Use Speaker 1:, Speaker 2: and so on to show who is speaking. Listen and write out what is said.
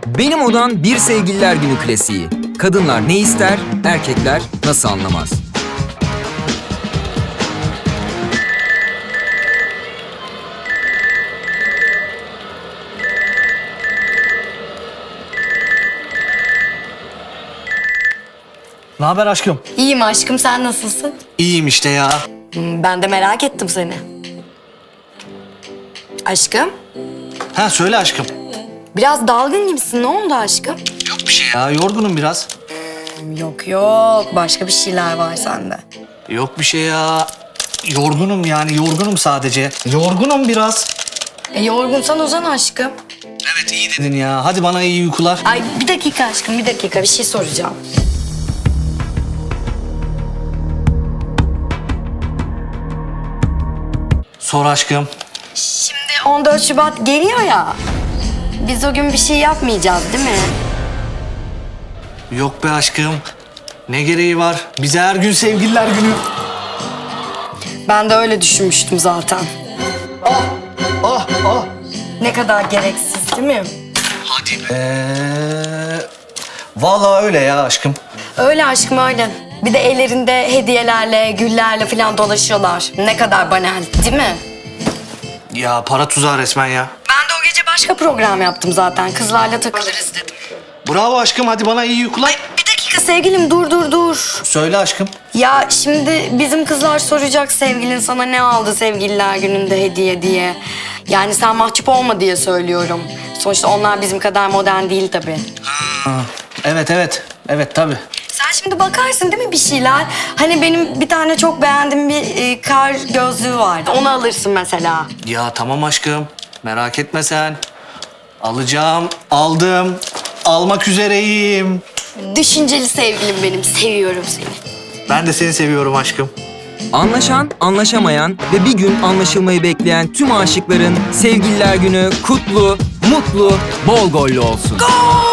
Speaker 1: Benim Odan Bir Sevgililer Günü klasiği. Kadınlar ne ister, erkekler nasıl anlamaz?
Speaker 2: Ne haber aşkım?
Speaker 3: İyiyim aşkım, sen nasılsın?
Speaker 2: İyiyim işte ya.
Speaker 3: Ben de merak ettim seni. Aşkım,
Speaker 2: Ha söyle aşkım.
Speaker 3: biraz dalgın gibisin. Ne oldu aşkım?
Speaker 2: Yok bir şey ya, yorgunum biraz.
Speaker 3: Yok, başka bir şeyler var sende.
Speaker 2: Yok bir şey ya. Yorgunum yani, yorgunum sadece. Yorgunum biraz.
Speaker 3: Yorgunsan uzan aşkım.
Speaker 2: Evet iyi dedin ya. Hadi bana iyi uykular.
Speaker 3: Ay bir dakika aşkım, bir dakika, bir şey soracağım.
Speaker 2: Sor aşkım.
Speaker 3: Şimdi 14 Şubat geliyor ya. Biz o gün bir şey yapmayacağız değil mi?
Speaker 2: Yok be aşkım. Ne gereği var? Bize her gün sevgililer günü.
Speaker 3: Ben de öyle düşünmüştüm zaten.
Speaker 2: Ah.
Speaker 3: Ne kadar gereksiz değil mi?
Speaker 2: Hadi be. Vallahi öyle ya aşkım.
Speaker 3: Öyle aşkım öyle. Bir de ellerinde hediyelerle, güllerle falan dolaşıyorlar. Ne kadar banal değil mi?
Speaker 2: Ya para tuzağı resmen ya.
Speaker 3: Ben de o gece başka program yaptım zaten. Kızlarla takılırız dedim.
Speaker 2: Bravo aşkım, hadi bana iyi uykular.
Speaker 3: Bir dakika sevgilim, dur.
Speaker 2: Söyle aşkım.
Speaker 3: Ya şimdi bizim kızlar soracak sevgilin sana ne aldı sevgililer gününde hediye diye. Yani sen mahcup olma diye söylüyorum. Sonuçta onlar bizim kadar modern değil tabii.
Speaker 2: Evet. Evet tabii.
Speaker 3: Sen şimdi bakarsın değil mi bir şeyler? Hani benim bir tane çok beğendiğim bir kar gözlüğü vardı. Onu alırsın mesela.
Speaker 2: Ya tamam aşkım. Merak etme sen. Alacağım, aldım. Almak üzereyim.
Speaker 3: Düşünceli sevgilim benim. Seviyorum seni.
Speaker 2: Ben de seni seviyorum aşkım.
Speaker 1: Anlaşan, anlaşamayan ve bir gün anlaşılmayı bekleyen tüm aşıkların Sevgililer Günü kutlu, mutlu, bol gollü olsun.